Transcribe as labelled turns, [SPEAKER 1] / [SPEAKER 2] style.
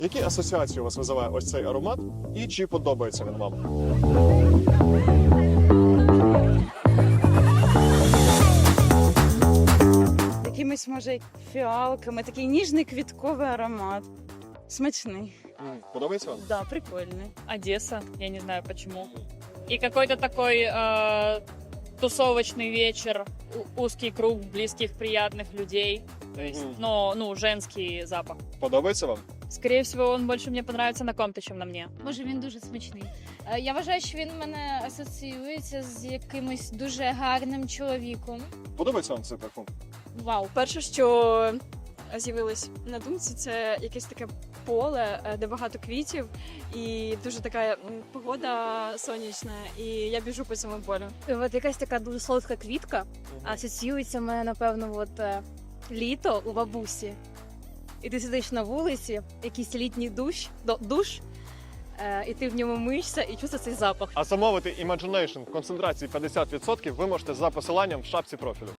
[SPEAKER 1] Які асоціації у вас визиває ось цей аромат і чи подобається він вам?
[SPEAKER 2] Якимись, може, фіалками, такий ніжний квітковий аромат. Смачний.
[SPEAKER 1] Подобається вам?
[SPEAKER 2] Да, прикольний.
[SPEAKER 3] Одесса, я не знаю почему. И какой-то такой тусовочный вечер, узкий круг близких, приятных людей. То есть, ну, женский запах.
[SPEAKER 1] Подобається вам?
[SPEAKER 3] Скорее всего, он больше мне понравится на ком-то, чем на мне.
[SPEAKER 4] Боже, він дуже смачний. Я вважаю, що він в мене асоціюється з якимось дуже гарним чоловіком.
[SPEAKER 1] Подобається вам цей парфум?
[SPEAKER 4] Вау.
[SPEAKER 5] Перше, що з'явилось на думці, це якесь таке поле, де багато квітів, і дуже така погода сонячна, і я біжу по цьому полю.
[SPEAKER 6] От якась така дуже солодка квітка, асоціюється в мене, напевно, літо у бабусі. І ти сидиш на вулиці, якийсь літній душ, і ти в ньому миєшся і чувствуєш цей запах.
[SPEAKER 1] А замовити Imagination в концентрації 50% ви можете за посиланням в шапці профілю.